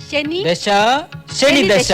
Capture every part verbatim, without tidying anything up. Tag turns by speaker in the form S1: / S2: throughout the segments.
S1: ശനി
S2: ദശ ശനി ദശ.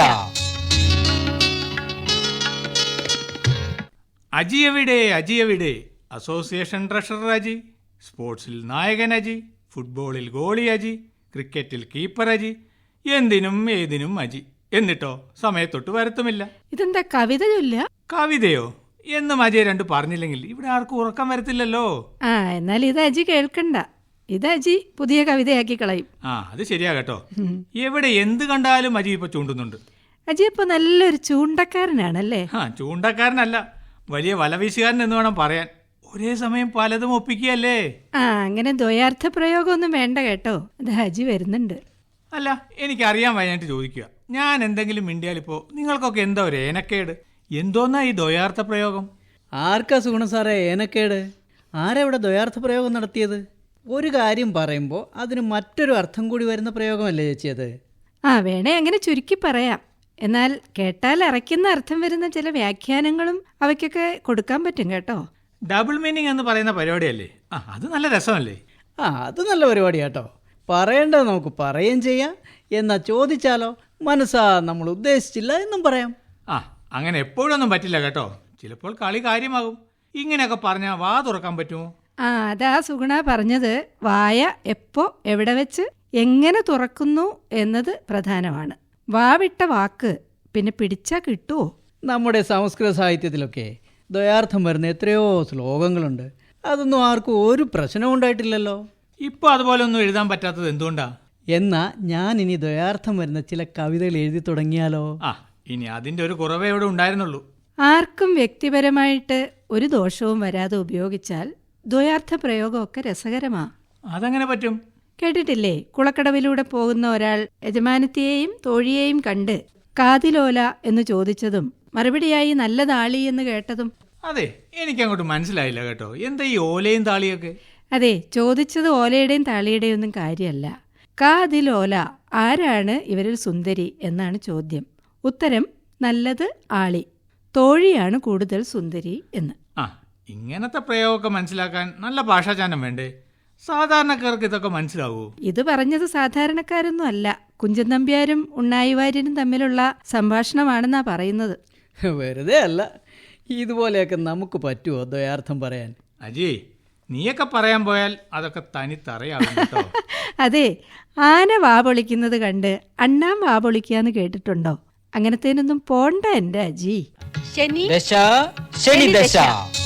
S3: അജി എവിടെ അജി എവിടെ? അസോസിയേഷൻ ട്രഷറർ അജി, സ്പോർട്സിൽ നായകൻ അജി, ഫുട്ബോളിൽ ഗോളി അജി, ക്രിക്കറ്റിൽ കീപ്പർ അജി, എന്തിനും ഏതിനും അജി. എന്നിട്ടോ സമയത്തൊട്ട് വരത്തുമില്ല.
S1: ഇതെന്താ കവിത ചൊല്ല?
S3: കവിതയോ? എന്നും അജയ് രണ്ട് പറഞ്ഞില്ലെങ്കിൽ ഇവിടെ ആർക്കും ഉറക്കം വരത്തില്ലല്ലോ.
S1: ആ എന്നാൽ ഇത് അജി കേൾക്കണ്ട. ഇത് അജി പുതിയ കവിതയാക്കി കളയും.
S3: ആ അത് ശരിയാ കേട്ടോ. എവിടെ എന്ത് കണ്ടാലും അജി ഇപ്പൊ ചൂണ്ടുന്നുണ്ട്.
S1: അജി ഇപ്പൊ നല്ലൊരു ചൂണ്ടക്കാരനാണല്ലേ?
S3: ആ ചൂണ്ടക്കാരനല്ല, വലിയ വലവീശുകാരൻ എന്ന് വേണം പറയാൻ. ഒരേ സമയം പലതും ഒപ്പിക്കുകയല്ലേ.
S1: ആ അങ്ങനെ ദ്വയാർത്ഥ പ്രയോഗമൊന്നും വേണ്ട കേട്ടോ. അത് അജി വരുന്നുണ്ട്.
S3: അല്ല എനിക്കറിയാൻ വയ്യായിട്ട് ചോദിക്കുക, ഞാൻ എന്തെങ്കിലും മിണ്ടിയാലിപ്പോ നിങ്ങൾക്കൊക്കെ എന്താ ഒരു ഏനക്കേട്? എന്തോന്നാ ഈ ദ്വയാർത്ഥ പ്രയോഗം?
S2: ആർക്കാ സുഗുണ സാറേ ഏനക്കേട്? ആരെവിടെ ദ്വയാർത്ഥ പ്രയോഗം നടത്തിയത്? ഒരു കാര്യം പറയുമ്പോൾ അതിന് മറ്റൊരു അർത്ഥം കൂടി വരുന്ന പ്രയോഗമല്ലേ ചേച്ചി അത്?
S1: ആ വേണേ അങ്ങനെ ചുരുക്കി പറയാം. എന്നാൽ കേട്ടാൽ അറയ്ക്കുന്ന അർത്ഥം വരുന്ന ചില വ്യാഖ്യാനങ്ങളും അവയ്ക്കൊക്കെ കൊടുക്കാൻ പറ്റും കേട്ടോ.
S3: ഡബിൾ മീനിങ് എന്ന് പറയുന്ന പരിപാടിയല്ലേ? ആ അത് നല്ല രസമല്ലേ?
S2: ആ അത് നല്ല പരിപാടിയാട്ടോ. പറയേണ്ടത് നമുക്ക് പറയുകയും ചെയ്യാം. എന്നാ ചോദിച്ചാലോ മനസ്സാ നമ്മൾ ഉദ്ദേശിച്ചില്ല എന്നും പറയാം.
S3: ആ അങ്ങനെ എപ്പോഴൊന്നും പറ്റില്ല കേട്ടോ. ചിലപ്പോൾ കളി കാര്യമാകും. ഇങ്ങനെയൊക്കെ പറഞ്ഞാൽ വാ തുറക്കാൻ പറ്റുമോ?
S1: ആ അതാ സുഗുണ പറഞ്ഞത്. വായ എപ്പോ എവിടെ വെച്ച് എങ്ങനെ തുറക്കുന്നു എന്നത് പ്രധാനമാണ്. വാവിട്ട വാക്ക് പിന്നെ പിടിച്ചാ കിട്ടുമോ?
S2: നമ്മുടെ സംസ്കൃത സാഹിത്യത്തിലൊക്കെ ദ്വയാർത്ഥം വരുന്ന എത്രയോ ശ്ലോകങ്ങളുണ്ട്. അതൊന്നും ആർക്കും ഒരു പ്രശ്നവും ഉണ്ടായിട്ടില്ലല്ലോ.
S3: ഇപ്പോൾ അതുപോലെ ഒന്നും എഴുതാൻ പറ്റാത്തത് എന്തുകൊണ്ടാ?
S2: എന്നാ ഞാൻ ഇനി ദ്വയാർത്ഥം വരുന്ന ചില കവിതകൾ എഴുതി തുടങ്ങിയാലോ?
S3: ആ ഇനി അതിൻ്റെ ഒരു കുറവേ ഇവിടെ ഉണ്ടായിരുന്നുള്ളൂ.
S1: ആർക്കും വ്യക്തിപരമായിട്ട് ഒരു ദോഷവും വരാതെ ഉപയോഗിച്ചാൽ ദ്വയാർത്ഥ പ്രയോഗമൊക്കെ രസകരമാ.
S3: അതെങ്ങനെ പറ്റും?
S1: കേട്ടിട്ടില്ലേ, കുളക്കടവിലൂടെ പോകുന്ന ഒരാൾ യജമാനത്തിയെയും തോഴിയെയും കണ്ട് കാതിലോല എന്ന് ചോദിച്ചതും മറുപടിയായി നല്ലതാളി എന്ന് കേട്ടതും?
S3: അതെ, എനിക്കങ്ങോട്ട് മനസ്സിലായില്ല കേട്ടോ. എന്താ ഈ ഓലയും താളിയൊക്കെ?
S1: അതെ, ചോദിച്ചത് ഓലയുടെയും താളിയുടെയും ഒന്നും കാര്യമല്ല. കാതിലോല, ആരാണ് ഇവരിൽ സുന്ദരി എന്നാണ് ചോദ്യം. ഉത്തരം നല്ലത് ആളി, തോഴിയാണ് കൂടുതൽ സുന്ദരി എന്ന്.
S3: ആ ഇങ്ങനത്തെ പ്രയോഗമൊക്കെ മനസ്സിലാക്കാൻ നല്ല ഭാഷാചാനം വേണ്ടേ? സാധാരണക്കാർക്ക് ഇതൊക്കെ മനസ്സിലാവൂ?
S1: ഇത് പറഞ്ഞത് സാധാരണക്കാരൊന്നും അല്ല, കുഞ്ചൻ നമ്പ്യാരും ഉണ്ണായി വാര്യരും തമ്മിലുള്ള സംഭാഷണമാണെന്നാ പറയുന്നത്.
S2: വെറുതെ അല്ല, ഇതുപോലെയൊക്കെ നമുക്ക് പറ്റുമോ ദ്വയാർത്ഥം പറയാൻ?
S3: അജി നീയൊക്കെ പറയാൻ പോയാൽ അതൊക്കെ തനിത്തറിയാവും കേട്ടോ.
S1: അതെ, ആന വാ പൊളിക്കുന്നത് കണ്ട് അണ്ണാൻ വാ പൊളിക്കാന്ന് കേട്ടിട്ടുണ്ടോ? അങ്ങനത്തേനൊന്നും പോണ്ട എൻ്റെ അജി.
S4: ശനി
S5: ദശ ശനി ദശ.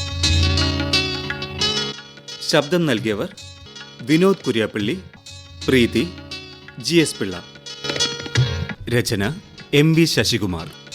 S6: ശബ്ദം നൽകിയവർ വിനോദ് കുര്യാപ്പള്ളി, പ്രീതി, ജി എസ് പിള്ള. രചന എം വി ശശികുമാർ.